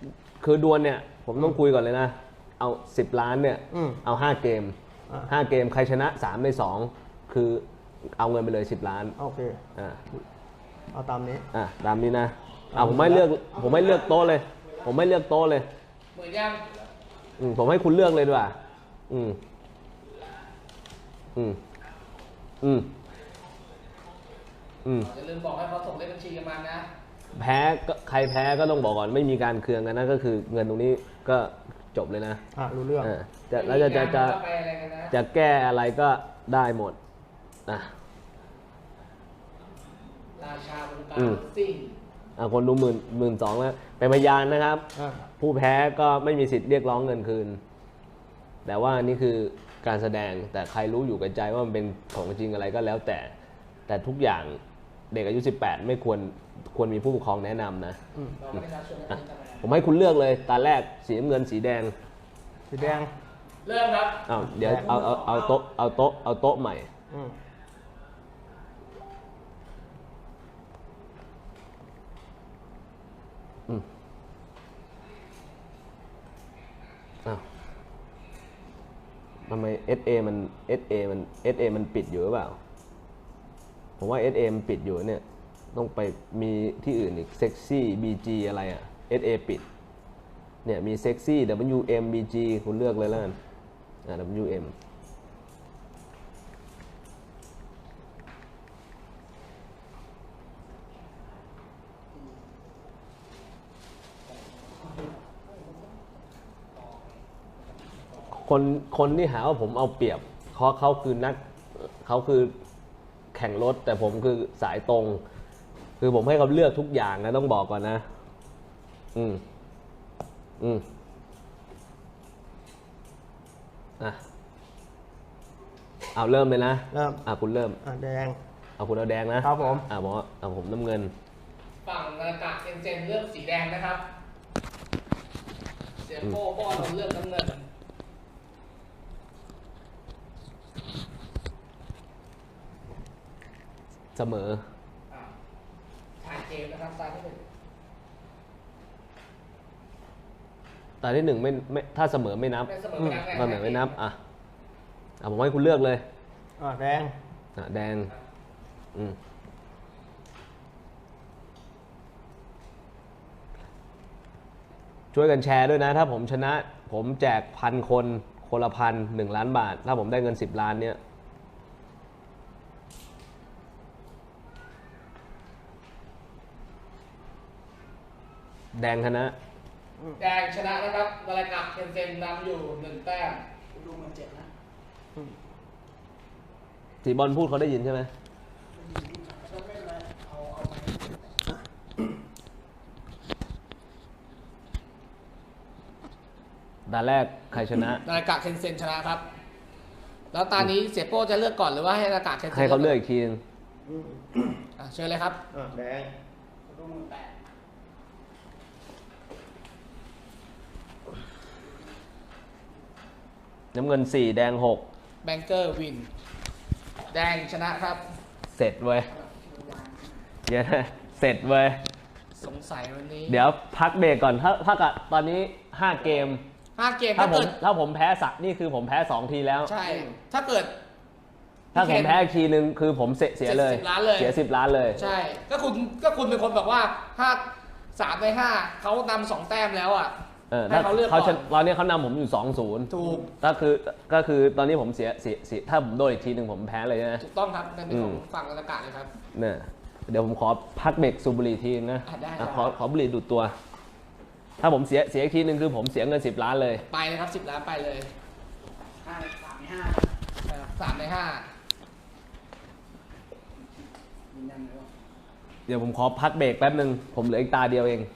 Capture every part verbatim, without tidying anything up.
คือดวลเนี่ยผมต้องคุยก่อนเลยนะเอาสิบล้านเนี่ยเอาห้าเกมห้าเกมใครชนะสามในสองคือเอาเงินไปเลยสิบล้านโอเคอ่าเอาตามนี้อ่าตามนี้นะอ่าผมไม่เลือกผมไม่เลือกโต๊ะเลยผมไม่เลือกโต๊ะเลยเหมือนยังอืมผมให้คุณเลือกเลยดีกว่าอืมอืมอืมอืมอย่าลืมบอกให้เขาส่งเลขบัญชีกันมานะแพ้ก็ใครแพ้ก็ต้องบอกก่อนไม่มีการเคืองกันนะก็คือเงินตรงนี้ก็จบเลยนะอ่ะรู้เรื่องจะแล้วจะจะจะจะแก้อะไรก็ได้หมดนะราชาบริการซิ่งอ่ะคนดูหมื่นหมื่นสองแล้วเป็นพยานนะครับผู้แพ้ก็ไม่มีสิทธิ์เรียกร้องเงินคืนแต่ว่านี่คือการแสดงแต่ใครรู้อยู่กับใจว่ามันเป็นของจริงอะไรก็แล้วแต่แต่ทุกอย่างเด็กอายุสิบแปดไม่ควรควรมีผู้ปกครองแนะนำนะผมให้คุณเลือกเลยตาแรกสีน้ำเงินสีแดงสีแดงเริ่มครับเอาเดี๋ยวเอาเอาเอาโต๊ะเอาโต๊ะเอาโต๊ะใหม่อืมอ้าวทำไม เอส เอ มัน เอส เอ มัน เอส เอ มันปิดอยู่หรือเปล่าผมว่า เอส เอ มันปิดอยู่เนี่ยต้องไปมีที่อื่นอีกเซ็กซี่ บี จี อะไรอ่ะ เอส เอ ปิดเนี่ยมีเซ็กซี่ ดับเบิลยู เอ็ม บี จี คุณเลือกเลยแล้วกันอ่า ดับเบิลยู เอ็ม คนคนที่หาว่าผมเอาเปรียบเขาเขาคือนักเขาคือแข่งรถแต่ผมคือสายตรงคือผมให้เขาเลือกทุกอย่างนะต้องบอกก่อนนะอืมอืมอ่ะเอาเริ่มเลยนะเริ่มอ่ะคุณเริ่มอ่ะแดงเอาคุณเอาแดงนะครับผมอ่ะผมเอาผมน้ำเงินฝั่งนาฬิกาเอ็นเจนเลือกสีแดงนะครับเสียโป้ป้อนเลือกน้ำเงินเสมอถ่ายเกมนะครับตาที่หนึ่งตาที่หนึ่งไม่ไม่ถ้าเสมอไม่นับเสมอไม่นับเสมอไม่นับอ่ะอ่ะผมให้คุณเลือกเลยอ่ะแดงอ่ะแดงอืมช่วยกันแชร์ด้วยนะถ้าผมชนะผมแจกพันคนคนละพันหนึ่งล้านบาทถ้าผมได้เงินสิบล้านเนี้ยแดงชนะแดงชนะนะครับนาฬิกาเอ็นเจนนำอยู่หนึ่งแต้มดูมันเจ็บนะสีบอลพูดเขาได้ยินใช่ไหมตาแรกใครชนะนาฬิกาเคนเซนชนะครับแล้วตานี้เสียโป้จะเลือกก่อนหรือว่าให้นาฬิกาเคนเซนให้เขาเลือกอีกทีนึงเชิญเลยครับแดงน้ำเงินสี่แดงหกแบงเกอร์วินแดงชนะครับเสร็จเว้ยเยอะเสร็จเว้ยสงสัยวันนี้เดี๋ยวพักเบรกก่อนถ้าถ้ากับตอนนี้ห้าเกมห้าเกมถ้าผมถ้าผมแพ้สักนี่คือผมแพ้สองทีแล้วใช่ถ้าเกิดถ้าผมแพ้ทีนึงคือผมเสียเสียเลยเสียสิบล้านเลยใช่ก็คุณก็คุณเป็นคนบอกว่าถ้าสามในห้าเขานำสองแต้มแล้วอ่ะให้เขาเลือกก่อนตอนนี้เขานำผมอยู่สองศูนย์ถูกก็คือก็คือตอนนี้ผมเสียเสียเสียถ้าผมโดนอีกทีหนึ่งผมแพ้เลยนะถูกต้องครับในของฝั่งอากาศเลยครับเนี่ยเดี๋ยวผมขอพักเบรกสูบบุหรี่ทีนะขอขอบุหรี่ดูดตัวถ้าผมเสียเสียอีกทีหนึ่งคือผมเสียเงินสิบล้านเลยไปเลยครับสิบล้านไปเลยห้าสามในห้าสามในห้าเดี๋ยวผมขอพักเบรกแป๊บนึงผมเหลืออีกตาเดียวเอง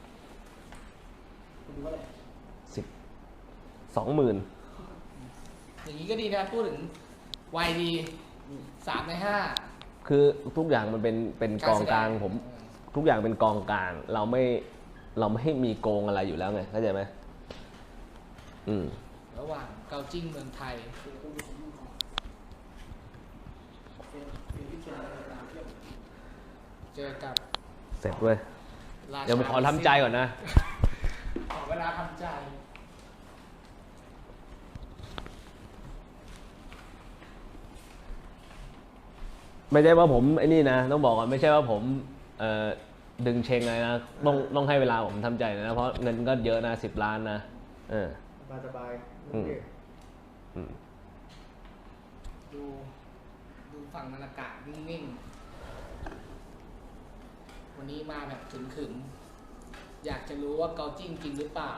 สิบสองหมื่นอย่างนี้ก็ดีนะพูดถึงวัยดีสามในห้าคือทุกอย่างมันเป็นเป็นกองกลางผมทุกอย่างเป็นกองกลางเราไม่เราไม่ให้มีโกงอะไรอยู่แล้วไงเข้าใจไหมอืมระหว่างเกาจิ้งเมืองไทยเจอกับเสร็จเว้ยเดี๋ยวผมขอทำใจก่อนนะดาทำใจไม่ใช่ว่าผมไอ้นี่นะต้องบอกก่อนไม่ใช่ว่าผมเอ่อดึงเชงเลยนะต้องต้องให้เวลาผมทำใจนะเพราะเงินก็เยอะนะสิบล้านนะเออสบายสบายอืม อืมดูดูฝั่งนาฬิกานิ่งๆ วันนี้มาแบบขึมๆ อยากจะรู้ว่าเกาจิ้งจริงหรือเปล่า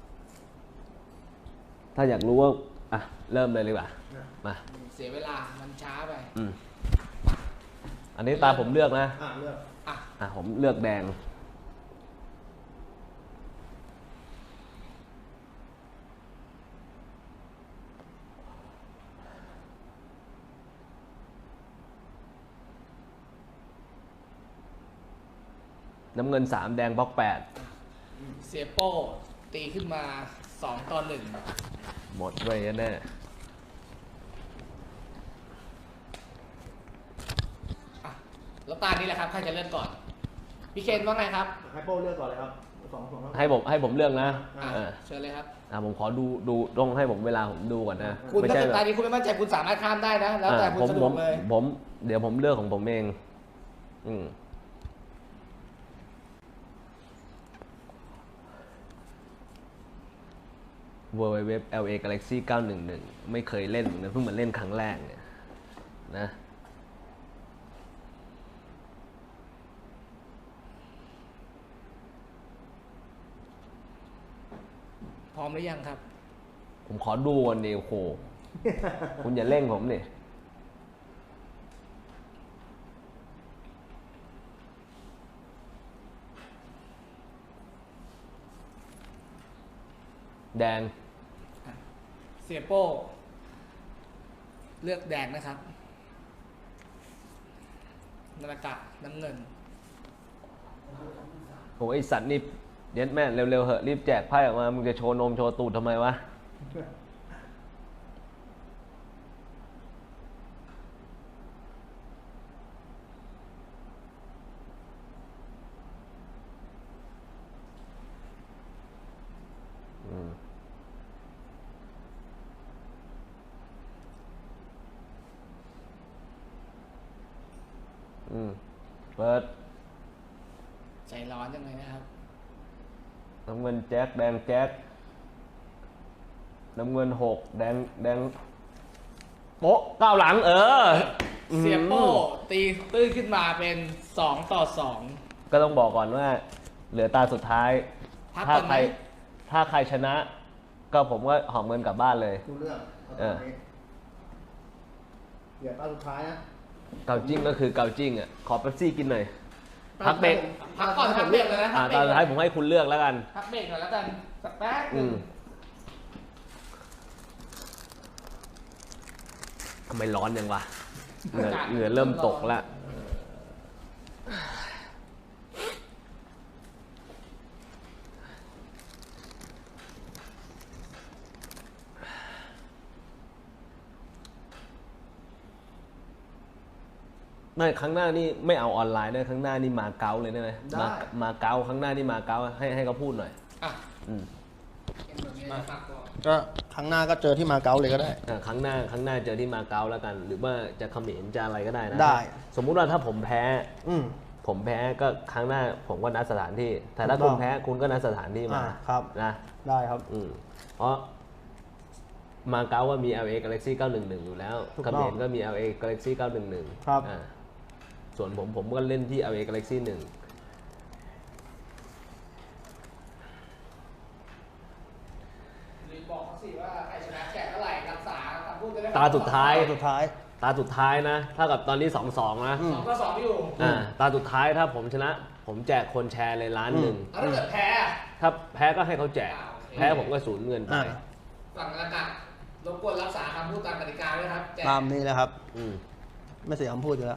ถ้าอยากรู้ว่าอ่ะเริ่มเลยดีกว่ามาเสียเวลามันช้าไปอืมอันนี้ตาผมเลือกนะอ่ะเลือกอ่ะอ่ะผมเลือกแดงน้ำเงินสามแดงบล็อกแปดเสียโป้ตีขึ้นมาสองต่อหนึ่งหมดไว้แน่อ่ะแล้วตานี้แหละครับ ใครจะเริ่มก่อน พี่เคนว่าไงครับให้โป้เลือกก่อนเลยครับสองสองครับให้ผมให้ผมเลือกนะอ่ะเออเชิญเลยครับอ่ะผมขอดูดูต้องให้ผมเวลาผมดูก่อนนะคุณไม่ถ้าใช่เกิดแบบตานี้คุณไม่มั่นใจคุณสามารถข้ามได้นะ แล้วแต่อ่ะคุณผมสะดผวมกเลยผมเดี๋ยวผมเลือกของผมเอง อืม ดับเบิลยู ดับเบิลยู ดับเบิลยู แอล เอ Galaxy เก้าหนึ่งหนึ่งไม่เคยเล่นเหมือนกันเพิ่งมาเล่นครั้งแรกเนี่ยนะพร้อมหรือยังครับผมขอดูก่อนดิโอ้โห คุณอย่าเร่งผมนี่แดงเสียโป้เลือกแดงนะครับนาฬิกาน้ำเงินโอ้ยไอสัตว์นี่เย็ดแม่เร็วๆเหอะรีบแจกไพ่ออกมามึงจะโชว์นมโชว์ตูดทำไมวะ อืม อืม เปิดใจร้อนจังเลยนะครับน้ำเงินแจ็คแดงแจ็คน้ำเงินหกแดงแดงโป๊ะก้าวหลัง เออเสียโป้ตีตื้นขึ้นมาเป็นสองต่อสองก็ต้องบอกก่อนว่า เหลือตาสุดท้ายพักถ้าก่อนไหใคมร ถ้าใครชนะ ก็ผมก็หอมเงินกลับบ้านเลยดูเลือกเอาเอตามอนี้เดี๋ยวตาสุดท้ายนะเกาจิ้งก็คือเกาจิ้งอ่ะ ขอเป๊ปซี่กินหน่อย พักเบรกพักก่อนพักเบรกเลยนะอ่าพักตเบรอก นสุดท้ายผมให้คุณเลือกแล้วกันพักเบรกหน่อยแล้วกันสักแป๊บหอืนึงมทำไมร้อนยังวะ เหงื่อเหงื่อเริ่มตกแล้ว ไม่ครั้งหน้านี่ไม่เอาออนไลน์ด้วยครั้งหน้านี่มาเก๊าเลยได้ไหมได้มามาเก๊าครั้งหน้านี่มาเก๊าให้ให้เขาพูดหน่อยอ่ะอืมเป็นแบบนี้พักก่อนก็ครั้งหน้าก็เจอที่มาเก๊าเลยก็ได้อ่ะครั้งหน้าครั้งหน้าเจอที่มาเก๊าแล้วกัน หรือว่าจะเขมรจะอะไรก็ได้นะได้สมมุติว่าถ้าผมแพ้อืมผมแพ้ก็ครั้งหน้าผมก็นัดสถานที่ แต่ถ้าถูกต้คุองณแพ้คุณก็นัดสถานที่มาอ่าครับนะได้ครับอืมเพราะมาเก๊าว่ามี แอล เอ Galaxy เก้าหนึ่งหนึ่งอยู่แล้วถูกเขต้องมรก็มี แอล เอ Galaxy เก้าหนึ่งหนึ่งครับอ่าส่วนผมผมก็เล่นที่ แอล เอ Galaxy หนึ่งรีบบอกเขาสิว่าใครชนะแจกเท่าไหร่รักษาคำพูดจะได้ตาสุดท้ายตาสุดท้ายตาสุดท้ายนะเท่ากับตอนนี้สองสองนะอืมสองต่อสองอยู่อ่าตาสุดท้ายถ้าผมชนะ ผมแจกคนแชร์เลยล้านหนึ่งแล้วถ้าเกิดแพ้อ่ะถ้าแพ้ก็ให้เขาแจกอ่าโอเคแพ้ผมก็สูญเงินไปอ่าฝั่งนาฬิการบกวนรักษาคำพูดตามกติกาด้วยครับแจกตามนี้นะครับอืมไม่เสียคำพูดอยู่แล้ว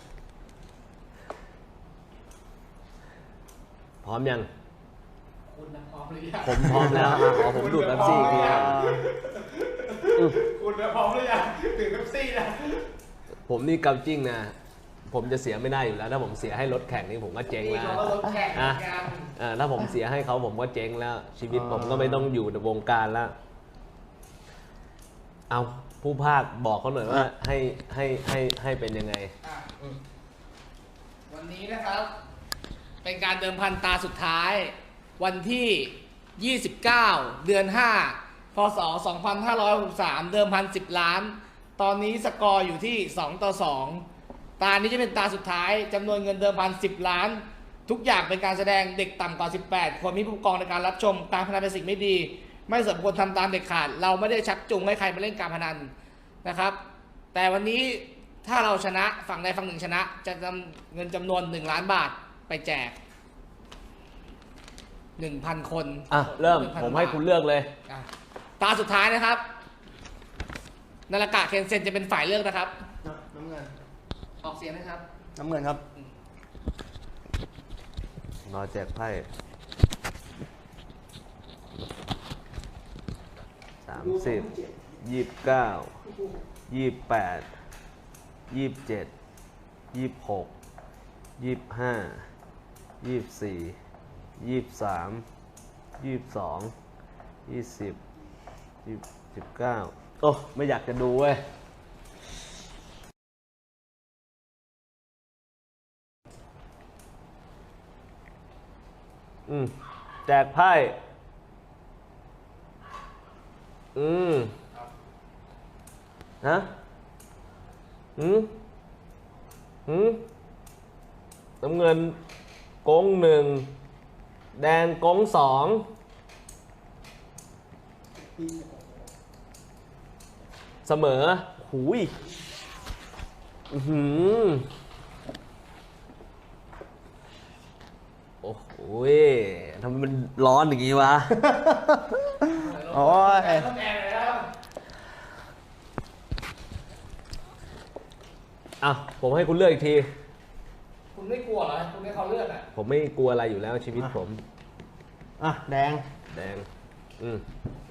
พร้อมยังคุณนะพร้อมหรือยังผมพร้อมแล้วอ่ะขอผมดูดแป๊บซี่อีกทีนะอืมคุณนะพร้อมหรือยังถึงเป๊ปซี่นะผมนี่เกาจิ้งนะผมจะเสียไม่ได้อยู่แล้ว ถ้าผมเสียให้รถแข่งนี่ผมก็เจ๊งนี่แล้วเขาก็รถแข่งเหมือ่ะอนกันอ่าถ้าผมเสียให้เขาผมก็เจ๊งแล้ว ชีวิตผมก็ไม่ต้องอยู่ในวงการแล้ว เอาผู้ภาคบอกเขาหน่อยว่าให้ให้ให้ให้เป็นยังไงอ่ะวันนี้นะครับ เป็นการเดิมพันตาสุดท้าย วันที่ ยี่สิบเก้า เดือน ห้า พศ สองพันห้าร้อยหกสิบสาม เดิมพันสิบล้าน ตอนนี้สกอร์อยู่ที่ สองต่อสอง ตานี้จะเป็นตาสุดท้ายจำนวนเงินเดิมพันสิบล้าน ทุกอย่างเป็นการแสดงเด็กต่ำกว่าสิบแปดควรมีผู้ปกครองในการรับชม การพนันเป็นสิ่งไม่ดี ไม่สมควรทำตามเด็ดขาด เราไม่ได้ชักจูงให้ใครมาเล่นการพนันนะครับ แต่วันนี้ถ้าเราชนะฝั่งใดฝั่งหนึ่งชนะ จะนำเงินจำนวนหนึ่งล้านบาทไปแจกหนึ่งพันคนอ่ะเริ่มหนึ่งพันผมให้คุณเลือกเลยอ่ะตาสุดท้ายนะครับนาฬกะเคนเซ็นจะเป็นฝ่ายเลือกนะครับน้ำเงินออกเสียงนะครับน้ำเงินครับรอแจกไพ่สามสิบยี่สิบเก้ายี่สิบแปดยี่สิบเจ็ดยี่สิบหกยี่สิบห้ายี่สิบสี่ยี่สิบสามยี่สิบสองยี่สิบยี่สิบเก้าโอ้ไม่อยากจะดูเว้ย อืมแจกไพ่อืมฮะอืมอืมน้ำเงินกงหนึ่งแดงกงสองเสมอหูยอื้อหือโอ้โหทำไมมันร้อนอย่างงี้วะโอ้ยต้องแดงเลยครับอ่ะผมให้คุณเลือกอีกทีคุณไม่กลัวเหรอคุณให้เขาเลือกอ่ะผมไม่กลัวอะไรอยู่แล้วชีวิตผมอ่ะ แดงแดง อืม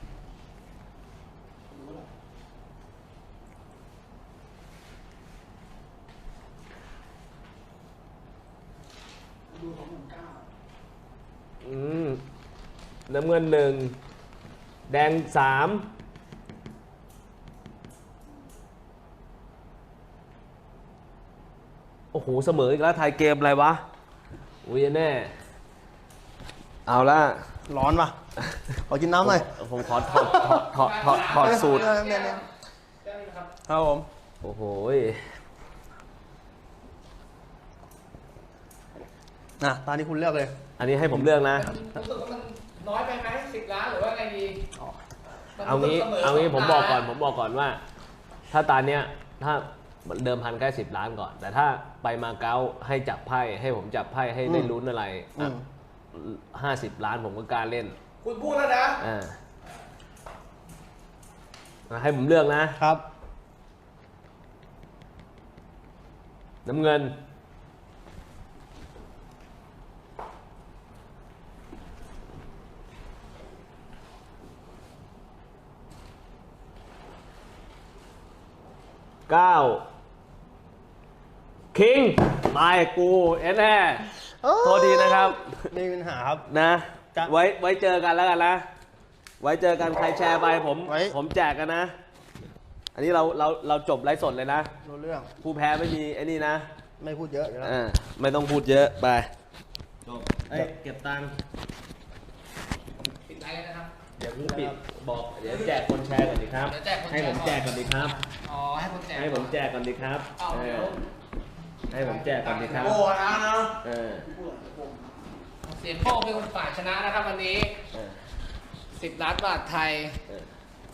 อืมน้ำเงินหนึ่งแดงสามโอ้โหเสมออีกแล้วไทยเกมอะไรวะอุ้ยแน่ เอาละร้อนปะขอกินน้ำหน่อยผมขอถอดถอดถอดถอดถอดสูตรเออเนี่ยเนี่ยได้ไหมครับครับผมโอ้โหอ่ะ ตอนนี้คุณเลือกเลยอันนี้ให้ผมเลือกนะรู้สึกว่ามันน้อยไปไหมสิบล้านหรือว่าไงดีมันเอางี้สมเอางี้สผมบอกก่อน ผมบอกก่อนว่า ถ้าตอนเนี้ย ถ้าเดิมพันแค่สิบล้านก่อน แต่ถ้าไปมาเก๊าให้จับไพ่ ให้ผมจับไพ่ให้ได้อืมลุ้นอะไรอืมห้าสิบล้านผมก็กล้าเล่นคุณพูดแล้วนะอ่าอ่ะให้ผมเลือกนะครับน้ำเงิน เก้า คิงตายกูเอ็นแน่โทษทีนะครับไม่มีปัญหาครับนะจะไว้ไว้เจอกันแล้วกันนะ ไว้เจอกันใครแชร์ไปผมไว้ผมแจกกันนะ อันนี้เราเราเราจบไลฟ์สดเลยนะรู้เรื่องผู้แพ้ไม่มีไอ้นี่นะไม่พูดเยอะอยู่แล้วอ่าไม่ต้องพูดเยอะไปจบเอ้ยเก็บตังค์ปิดไลน์เลยนะครับเดี๋ยวเพิ่งปิดบอกเดี๋ยวแจกคนแชร์ก่อนดีครับเดี๋ยวแจกคนแชร์ให้ผมแจกก่อนดีครับอ๋อให้คนแจกให้ผมแจกก่อนดีครับเอาเอเดี๋ยอวให้ผมแจกก่อนดีครับโอ้นะนะเออเสียโป้เป็นคนฝ่ายชนะนะครับวันนี้เออสิบล้านบาทไทยเออ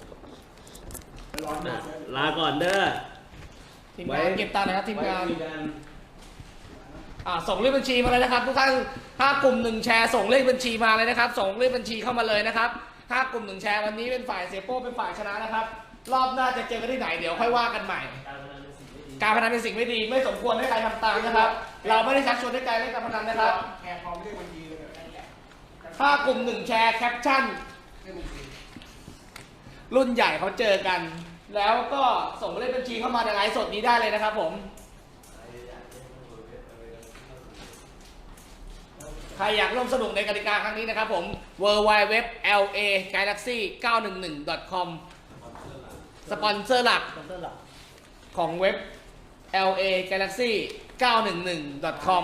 อ่ะลาก่อนเด้อทีมงานเก็บตังค์นะครับทีมงานไว้คุยกันอ่าส่งเลขบัญชีมาเลยนะครับทุกท่านถ้ากลุ่มหนึ่งแชร์ส่งเลขบัญชีมาเลยนะครับ ส่งเลขบัญชีเข้ามาเลยนะครับถ้ากลุ่มหนึ่งแชร์วันนี้เป็นฝ่ายเสียโป้เป็นฝ่ายชนะนะครับ รอบหน้าจะเจอกันที่ไหนเดี๋ยวค่อยว่ากันใหม่ การพนันเป็นสิ่งไม่ดีไม่สมควรให้ใครทำตามนะครับ เราไม่ได้ชักชวนให้ใครเล่นการพนันนะครับแชร์พร้อมเลขบัญชีเลยถ้ากลุ่มหนึ่งแชร์แคปชั่นรุ่นใหญ่เขาเจอกัน แล้วก็ส่งเลขบัญชีเข้ามาในไลฟ์สดนี้ได้เลยนะครับผมรอยากร่วมสนุกในกติกาครั้งนี้นะครับผม ดับเบิลยู ดับเบิลยู ดับเบิลยู ดอท แอล เอ กาแล็กซี่ เก้าหนึ่งหนึ่ง ดอท คอม สปอนเซอร์หลักคอมเตอร์หลักของเว็บ แอล เอ กาแล็กซี่ เก้าหนึ่งหนึ่ง ดอท คอม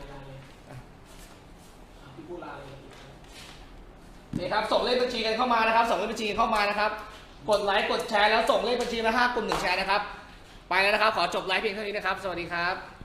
นี่ครับส่งเลขบัญชีกันเข้ามานะครับส่งเลขบัญชีกันเข้ามานะครับกดไลค์กดแชร์แล้วส่งเลขบัญชีมาห้ากลุ่มหนึ่งแชร์นะครับไปแล้วนะครับขอจบไลฟ์เพียงเท่านี้นะครับสวัสดีครับ